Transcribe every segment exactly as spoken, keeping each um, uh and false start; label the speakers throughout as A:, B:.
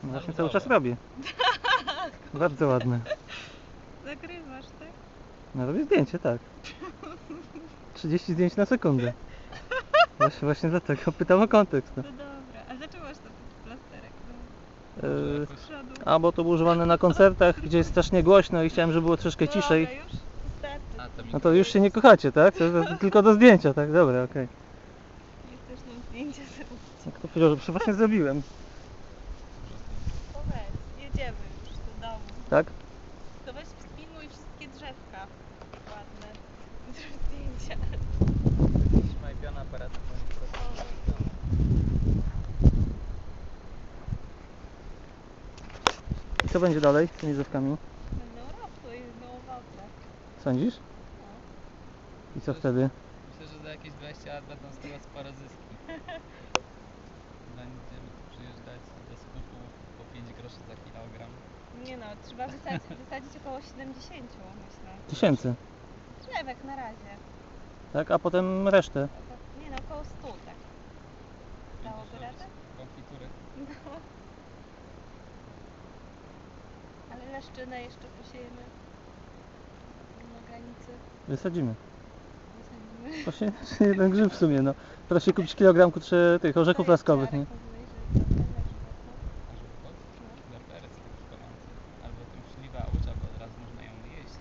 A: No właśnie cały czas robię. Bardzo ładne.
B: Zagrywasz, tak?
A: No robię zdjęcie, tak. trzydzieści zdjęć na sekundę. Właśnie, właśnie dlatego pytam o kontekst. No.
B: No dobra, a dlaczego masz to plasterek?
A: Yy,
B: Z przodu.
A: a bo to było używane na koncertach, gdzie jest strasznie głośno i chciałem, żeby było troszkę ciszej.
B: Dobra, już wystarczy.
A: No to już się nie kochacie, tak? To, to, to tylko do zdjęcia, tak? Dobra, okej.
B: Nie chcesz nam zdjęcia zrobić.
A: Okay. Kto powiedział, że właśnie zrobiłem.
B: To weź, jedziemy już do domu.
A: Tak?
B: To weź wspilnuj wszystkie drzewka ładne. Zrób zdjęcia.
C: Trzymaj piona aparatu.
A: I co będzie dalej z tymi drzewkami?
B: Będą rosły i będą owoce.
A: Sądzisz? I co wtedy?
C: Myślę, że za jakieś dwadzieścia lat będą z tego spore zyski. Będziemy tu przyjeżdżać do skupu po pięć groszy za kilogram.
B: Nie no, trzeba wysadzić, wysadzić około siedemdziesiąt, myślę.
A: Tysięcy.
B: Drzewek na razie.
A: Tak? A potem resztę.
B: Nie no, około stu, tak. Dałoby radę?
C: Konfitury.
B: No. Ale leszczynę jeszcze posiejemy na granicy.
A: Wysadzimy.
B: Wysadzimy.
A: Właśnie jeden grzyb w sumie, no. Teraz się kupić kilogram kurczę tych orzechów laskowych, nie?
C: Berbery są taki gorący. Albo tą śliwę aucza, bo od razu można ją jeść.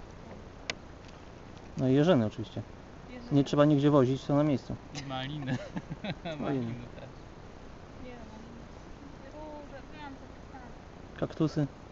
A: No i jeżyny oczywiście. Nie trzeba nigdzie wozić, są na miejscu.
C: I maliny. maliny też.
B: Nie, no. Róże, wiem, co to
A: Kaktusy.